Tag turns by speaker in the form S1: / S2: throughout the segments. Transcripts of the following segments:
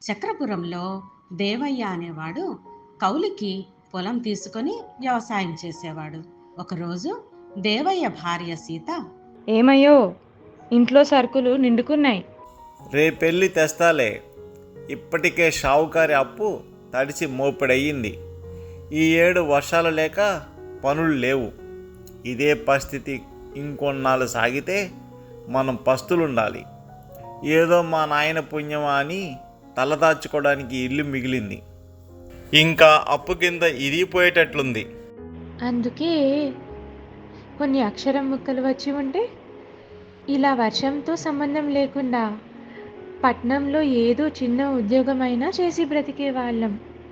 S1: చక్రపురంలో దేవయ్య అనేవాడు కౌలికి పొలం తీసుకొని వ్యవసాయం చేసేవాడు. ఒకరోజు దేవయ్య భార్య సీత,
S2: ఏమయ్యో, ఇంట్లో సరుకులు నిండుకున్నాయి.
S3: రేపెళ్ళి తెస్తాలే. ఇప్పటికే షావుకారి అప్పు తడిచి మోపిడయ్యింది. ఈ ఏడు వర్షాలు లేక పనులు లేవు. ఇదే పరిస్థితి ఇంకొన్నాళ్ళు సాగితే మనం పస్తులుండాలి. ఏదో మా నాయన పుణ్యమా అని తలదాచుకోవడానికి ఇల్లు మిగిలింది. ఇంకా అప్పు కింద ఇరిగిపోయేటట్లుంది.
S2: అందుకే కొన్ని అక్షరం ముక్కలు వచ్చి ఉంటే ఇలా వర్షంతో సంబంధం లేకుండా పట్నంలో ఏదో చిన్న ఉద్యోగమైనా చేసి బ్రతికే వాళ్ళం.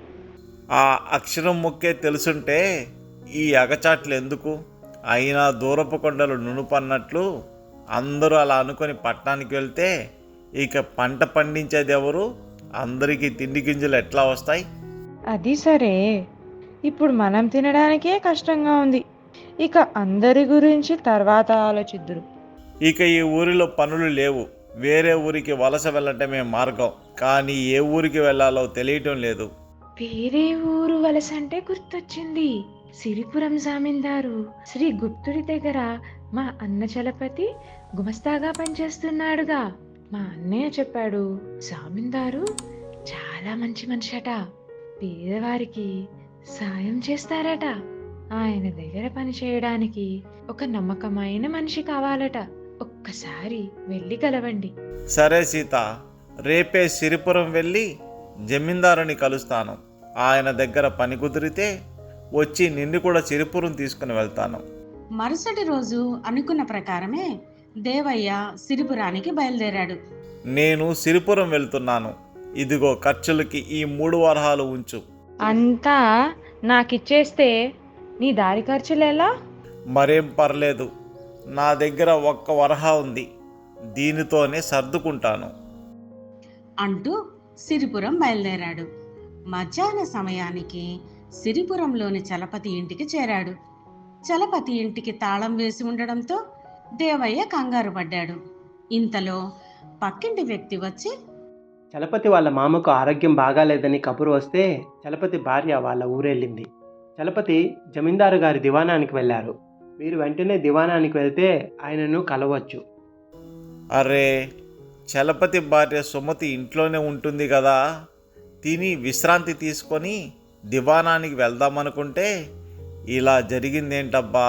S3: ఆ అక్షరం ముక్కే తెలుసుంటే ఈ అగచాట్లు ఎందుకు? అయినా దూరపు కొండలు నునుపన్నట్లు అందరూ అలా అనుకొని పట్టణానికి వెళ్తే ఇక పంట పండించేది ఎవరు? అందరికీ తిండి గింజలు ఎట్లా వస్తాయి?
S2: అది సరే, ఇప్పుడు మనం తినడానికే కష్టంగా ఉంది. ఇక అందరి గురించి తర్వాత ఆలోచిద్దురు.
S3: ఇక ఈ ఊరిలో పనులు లేవు. వేరే ఊరికి వలస వెళ్ళటమే మార్గం. కానీ ఏ ఊరికి వెళ్ళాలో తెలియటం లేదు.
S2: వేరే ఊరు వలస అంటే గుర్తొచ్చింది. సిరిపురం జామీందారు శ్రీ గుప్తుడి దగ్గర మా అన్న చలపతి గుమస్తాగా పనిచేస్తున్నాడుగా. మా అన్నయ్య చెప్పాడు, జామీందారు చాలా మంచి మనిషట, పేదవారికి సాయం చేస్తారట. ఆయన దగ్గర పని చేయడానికి ఒక నమ్మకమైన మనిషి కావాలట. ఒక్కసారి వెళ్ళి కలవండి.
S3: సరే సీత, రేపే సిరిపురం వెళ్ళి జమీందారుని కలుస్తాను. ఆయన దగ్గర పని కుదిరితే వచ్చి నిన్ను కూడా సిరిపురం తీసుకుని వెళ్తాను.
S1: మరుసటి రోజు అనుకున్న ప్రకారమే దేవయ్య సిరిపురానికి బయలుదేరాడు.
S3: నేను సిరిపురం వెళ్తున్నాను. ఇదిగో ఖర్చులకి ఈ 3 వరహాలు ఉంచు.
S2: అంతా నాకిచ్చేస్తే నీ దారి ఖర్చులేలా?
S3: మరేం పర్లేదు. నా దగ్గర 1 వరహా ఉంది. దీనితోనే సర్దుకుంటాను
S1: అంటూ సిరిపురం బయలుదేరాడు. మధ్యాహ్న సమయానికి సిరిపురంలోని చలపతి ఇంటికి చేరాడు. చలపతి ఇంటికి తాళం వేసి ఉండడంతో దేవయ్య కంగారు పడ్డాడు. ఇంతలో పక్కింటి వ్యక్తి వచ్చి,
S4: చలపతి వాళ్ళ మామకు ఆరోగ్యం బాగాలేదని కబురు వస్తే చలపతి భార్య వాళ్ళ ఊరెళ్ళింది. చలపతి జమీందారు గారి దివాణానికి వెళ్ళారు. మీరు వెంటనే దివాణానికి వెళ్తే ఆయనను కలవచ్చు.
S3: అరే, చలపతి భార్య సుమతి ఇంట్లోనే ఉంటుంది కదా. తిని విశ్రాంతి తీసుకొని దివాణానికి వెళ్దామనుకుంటే ఇలా జరిగిందేంటబ్బా?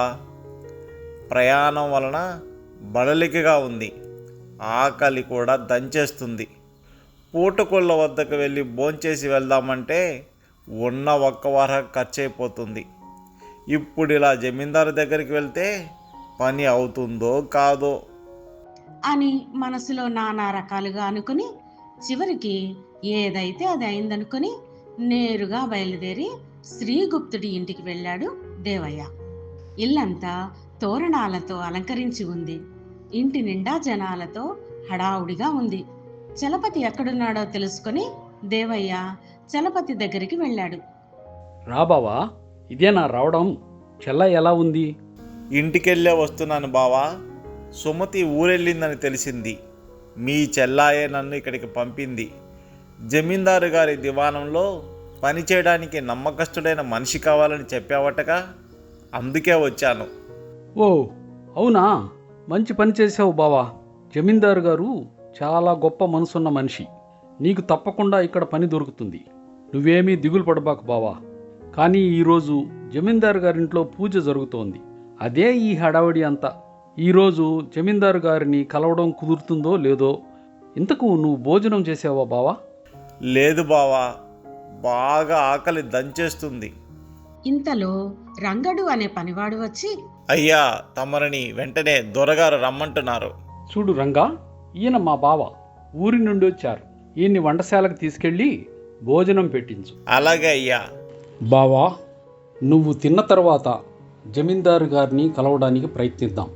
S3: ప్రయాణం వలన బడలికగా ఉంది. ఆకలి కూడా దంచేస్తుంది. పూటకోళ్ళ వద్దకు వెళ్ళి భోంచేసి వెళ్దామంటే ఉన్న 1 వరహ ఖర్చు అయిపోతుంది. ఇప్పుడు ఇలా జమీందారు దగ్గరికి వెళ్తే పని అవుతుందో కాదో
S1: అని మనసులో నానా రకాలుగా అనుకుని చివరికి ఏదైతే అది అయిందనుకుని నేరుగా బయలుదేరి శ్రీగుప్తుడి ఇంటికి వెళ్ళాడు దేవయ్య. ఇల్లంతా తోరణాలతో అలంకరించి ఉంది. ఇంటి నిండా జనాలతో హడావుడిగా ఉంది. చలపతి ఎక్కడున్నాడో తెలుసుకొని దేవయ్య చలపతి దగ్గరికి వెళ్ళాడు.
S5: రా బావా, ఇదేనా రావడం? చెల్ల ఎలా ఉంది?
S3: ఇంటికెళ్ళే వస్తున్నాను బావా. సుమతి ఊరెళ్ళిందని తెలిసింది. మీ చెల్లాయే నన్ను ఇక్కడికి పంపింది. జమీందారు గారి దివాణంలో పనిచేయడానికి నమ్మకస్తుడైన మనిషి కావాలని చెప్పావటగా, అందుకే వచ్చాను.
S5: ఓ అవునా, మంచి పని చేసావు బావా. జమీందారు గారు చాలా గొప్ప మనసున్న మనిషి. నీకు తప్పకుండా ఇక్కడ పని దొరుకుతుంది. నువ్వేమీ దిగులు పడబాకు బావా. కానీ ఈరోజు జమీందారు గారింట్లో పూజ జరుగుతోంది. అదే ఈ హడావిడి అంతా. ఈరోజు జమీందారు గారిని కలవడం కుదురుతుందో లేదో. ఇంతకు నువ్వు భోజనం చేసావా బావా?
S3: లేదు బావా, బాగా ఆకలి దంచేస్తుంది.
S1: ఇంతలో రంగడు అనే పనివాడు వచ్చి,
S3: అయ్యా, తమరిని వెంటనే దొరగారు రమ్మంటున్నారు.
S5: చూడు రంగా, ఈయన మా బావ. ఊరి నుండి వచ్చారు. ఈయన్ని వంటశాలకు తీసుకెళ్ళి భోజనం పెట్టించు.
S3: అలాగే అయ్యా.
S5: బావా, నువ్వు తిన్న తర్వాత జమీందారు గారిని కలవడానికి ప్రయత్నిద్దాం.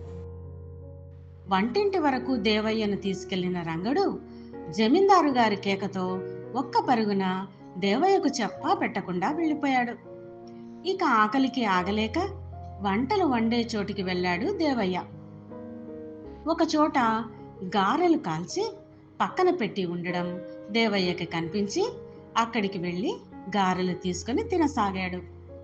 S1: వంటింటి వరకు దేవయ్యను తీసుకెళ్లిన రంగడు జమీందారు గారి కేకతో ఒక్క పరుగున దేవయ్యకు చెప్పా పెట్టకుండా వెళ్ళిపోయాడు. ఇక ఆకలికి ఆగలేక వంటలు వండే చోటికి వెళ్ళాడు దేవయ్య. ఒక చోట గారెలు కాల్చి పక్కన పెట్టి ఉండడం దేవయ్యకి కనిపించి అక్కడికి వెళ్ళి గారెలు తీసుకొని తినసాగాడు.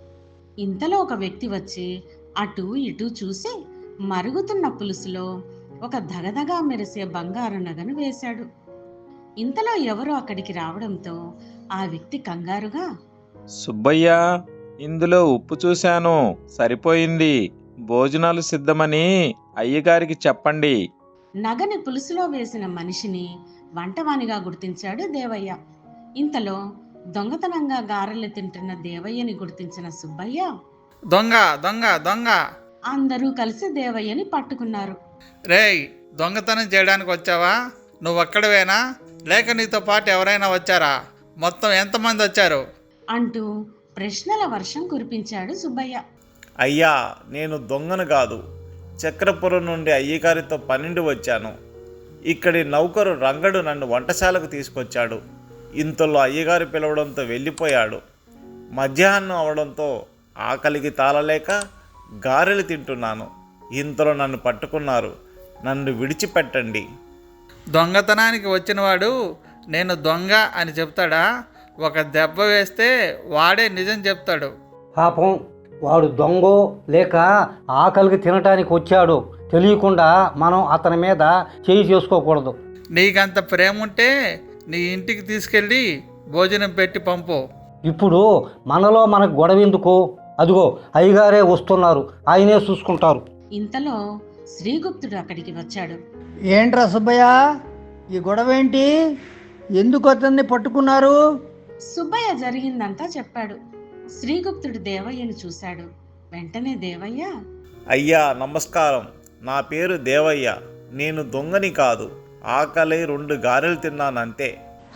S1: ఇంతలో ఒక వ్యక్తి వచ్చి అటు ఇటు చూసి మరుగుతున్న పులుసులో ఒక దగదగా మెరిసే బంగారు నగను వేశాడు. ఇంతలో ఎవరో అక్కడికి రావడంతో ఆ వ్యక్తి కంగారుగా,
S6: సుబ్బయ్య, ఇందులో ఉప్పు చూశాను, సరిపోయింది. భోజనాలు సిద్ధమని అయ్యగారికి చెప్పండి.
S1: నగని పులుసులో వేసిన మనిషిని వంటవానిగా గుర్తించాడు దేవయ్య. ఇంతలో దొంగతనంగా గారెలు తింటున్న దేవయ్యని గుర్తించిన సుబ్బయ్య,
S7: దొంగ దొంగ దొంగ!
S1: అందరూ కలిసి దేవయ్యని పట్టుకున్నారు.
S7: రేయ్, దొంగతనం చేయడానికి వచ్చావా? నువ్వొక్కడవేనా, లేక నీతో పాటు ఎవరైనా వచ్చారా? మొత్తం ఎంతమంది వచ్చారు?
S1: అంటూ ప్రశ్నల వర్షం కురిపించాడు సుబ్బయ్య.
S3: అయ్యా, నేను దొంగను కాదు, చక్రపురం నుండి అయ్యగారితో పనిండి వచ్చాను. ఇక్కడి నౌకరు రంగడు నన్ను వంటశాలకు తీసుకొచ్చాడు. ఇంతలో అయ్యగారు పిలవడంతో వెళ్ళిపోయాడు. మధ్యాహ్నం అవడంతో ఆకలికి తాళలేక గారెలు తింటున్నాను. ఇంతలో నన్ను పట్టుకున్నారు. నన్ను విడిచిపెట్టండి.
S7: దొంగతనానికి వచ్చినవాడు నేను దొంగ అని చెప్తాడా? ఒక దెబ్బ వేస్తే వాడే నిజం చెప్తాడు.
S8: పాపం, వాడు దొంగో లేక ఆకలికి తినటానికి వచ్చాడో తెలియకుండా మనం అతని మీద చేయి చేసుకోకూడదు.
S7: నీకంత ప్రేమ ఉంటే నీ ఇంటికి తీసుకెళ్ళి భోజనం పెట్టి పంపు.
S8: ఇప్పుడు మనలో మనకు గొడవ ఎందుకు? అదిగో అయ్యగారే వస్తున్నారు, ఆయనే చూసుకుంటారు.
S1: ఇంతలో శ్రీగుప్తుడు అక్కడికి వచ్చాడు.
S9: ఏంట్రా సుబ్బయ్య, ఈ గొడవ ఏంటి? ఎందుకు అతన్ని పట్టుకున్నారు?
S1: సుబ్బయ్య జరిగిందంతా చెప్పాడు. శ్రీగుప్తుడు దేవయ్యను చూశాడు. వెంటనే దేవయ్య,
S3: అయ్యా నమస్కారం, నా పేరు దేవయ్య. నేను దొంగని కాదు, ఆకలి 2 గారెలు తిన్నానంతే.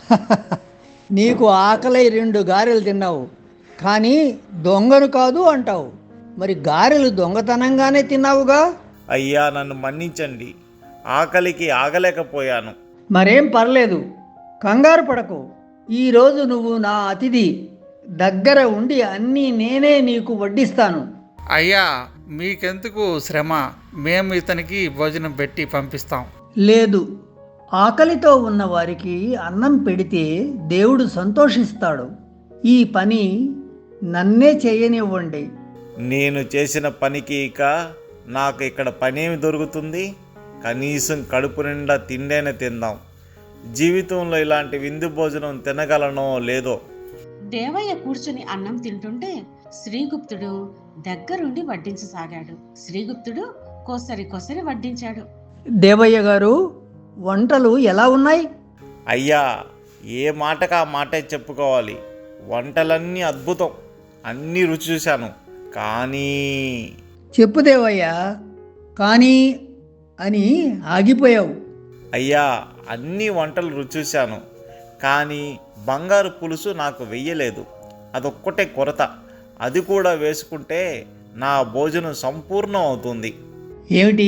S9: నీకు ఆకలి 2 గారెలు తిన్నావు, కానీ దొంగను కాదు అంటావు. మరి గారెలు దొంగతనంగానే తిన్నావుగా?
S3: అయ్యా నన్ను మన్నించండి, ఆకలికి ఆగలేకపోయాను.
S9: మరేం పర్లేదు, కంగారు పడకు. ఈరోజు నువ్వు నా అతిథి, దగ్గర ఉండి అన్నీ నేనే నీకు వడ్డిస్తాను.
S7: అయ్యా, మీకెందుకు శ్రమ, మేము ఇతనికి భోజనం పెట్టి పంపిస్తాం.
S9: లేదు, ఆకలితో ఉన్న వారికి అన్నం పెడితే దేవుడు సంతోషిస్తాడు. ఈ పని నన్నే చేయనివ్వండి.
S3: నేను చేసిన పనికి ఇక నాకు ఇక్కడ పనేమి దొరుకుతుంది? కనీసం కడుపు నిండా తిండైనా తిందాం. జీవితంలో ఇలాంటి విందు భోజనం తినగలనో లేదో.
S1: దేవయ్య కూర్చుని అన్నం తింటుంటే శ్రీగుప్తుడు దగ్గరుండి వడ్డించసాగాడు. శ్రీగుప్తుడు కొసరి కొసరి వడ్డించాడు.
S9: దేవయ్య గారు, వంటలు ఎలా ఉన్నాయి?
S3: అయ్యా, ఏ మాటకు ఆ మాటే చెప్పుకోవాలి. వంటలన్నీ అద్భుతం, అన్నీ రుచి చూశాను. కానీ
S9: చెప్పు దేవయ్య, కానీ అని ఆగిపోయావు.
S3: అయ్యా, అన్ని వంటలు రుచి చూశాను, కానీ బంగారు పులుసు నాకు వెయ్యలేదు. అదొక్కటే కొరత. అది కూడా వేసుకుంటే నా భోజనం సంపూర్ణం అవుతుంది.
S9: ఏమిటి,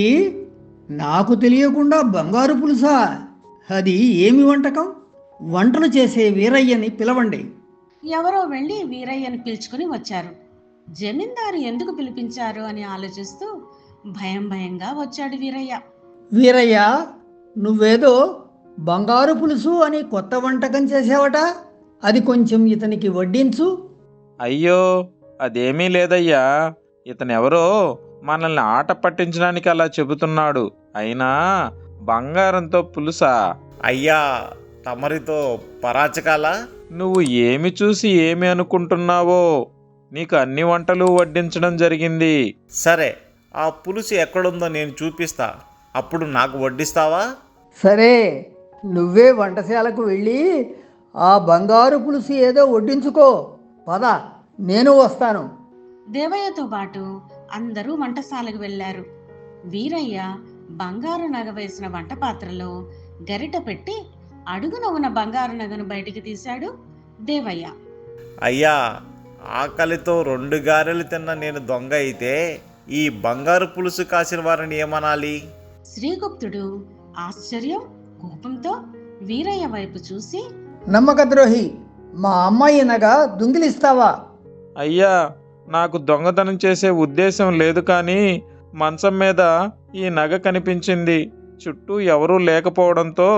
S9: నాకు తెలియకుండా బంగారు పులుసా? అది ఏమి వంటకం? వంటలు చేసే వీరయ్యని పిలవండి.
S1: ఎవరో వెళ్ళి వీరయ్యను పిలుచుకుని వచ్చారు. జమీందారు ఎందుకు పిలిపించారు అని ఆలోచిస్తూ భయం భయంగా వచ్చాడు వీరయ్య.
S9: వీరయ్య, నువ్వేదో బంగారు పులుసు అని కొత్త వంటకం చేసావట, అది కొంచెం ఇతనికి వడ్డించు.
S6: అయ్యో, అదేమీ లేదయ్యా. ఇతనెవరో మనల్ని ఆట పట్టించడానికి అలా చెబుతున్నాడు. అయినా బంగారంతో పులుసా?
S3: అయ్యా, తమరితో పరాచకాలా?
S6: నువ్వు ఏమి చూసి ఏమి అనుకుంటున్నావో, నీకు అన్ని వంటలు వడ్డించడం జరిగింది.
S3: సరే, ఆ పులుసు ఎక్కడుందో నేను చూపిస్తా, అప్పుడు నాకు వడ్డిస్తావా?
S9: సరే, నువ్వే వంటశాలకు వెళ్ళి ఆ బంగారు పులుసు ఏదో వడ్డించుకో. పద, నేను వస్తాను.
S1: దేవయ్యతో పాటు అందరూ వంటశాలకు వెళ్ళారు. వీరయ్య బంగారు నగ వేసిన వంట పాత్రలో గరిట పెట్టి అడుగున ఉన్న బంగారు నగను బయటికి తీశాడు దేవయ్య.
S3: అయ్యా, ఆకలితో 2 గారెలు తిన్న నేను దొంగ అయితే ఈ బంగారు పులుసు కాసిన వారిని ఏమనాలి?
S1: శ్రీగుప్తుడు ఆశ్చర్యం కోపంతో వీరయ్య వైపు చూసి,
S9: నమ్మకద్రోహి, మా అమ్మాయి నగ దొంగిలిస్తావా?
S6: అయ్యా, నాకు దొంగతనం చేసే ఉద్దేశం లేదు, కానీ మంచం మీద ఈ నగ కనిపించింది. చుట్టూ ఎవరూ లేకపోవడంతో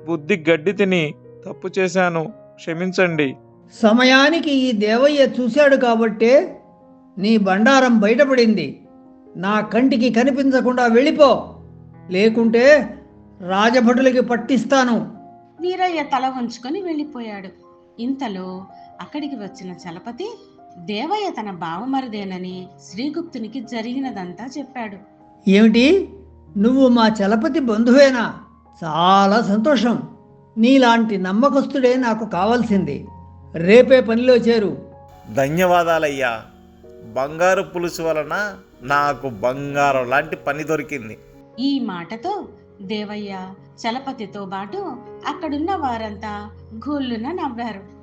S6: బుద్ధి గడ్డి తిని తప్పు చేశాను, క్షమించండి.
S9: సమయానికి ఈ దేవయ్య చూశాడు కాబట్టే నీ బండారం బయటపడింది. నా కంటికి కనిపించకుండా వెళ్ళిపో, లేకుంటే రాజభటులకి పట్టిస్తాను.
S1: వీరయ్య తల వంచుకొని వెళ్ళిపోయాడు. ఇంతలో అక్కడికి వచ్చిన చలపతి దేవయ్య తన బావమరిదేనని శ్రీగుప్తునికి జరిగినదంతా చెప్పాడు.
S9: ఏమిటి, నువ్వు మా చలపతి బంధువేనా? చాలా సంతోషం. నీలాంటి నమ్మకస్తుడే నాకు కావాల్సింది. రేపే పనిలో చేరు.
S3: ధన్యవాదాలయ్యా. బంగారు పులుసు వలన నాకు బంగారం లాంటి పని దొరికింది.
S1: ఈ మాటతో దేవయ్య చలపతితో పాటు అక్కడున్న వారంతా గొల్లున నవ్వారు.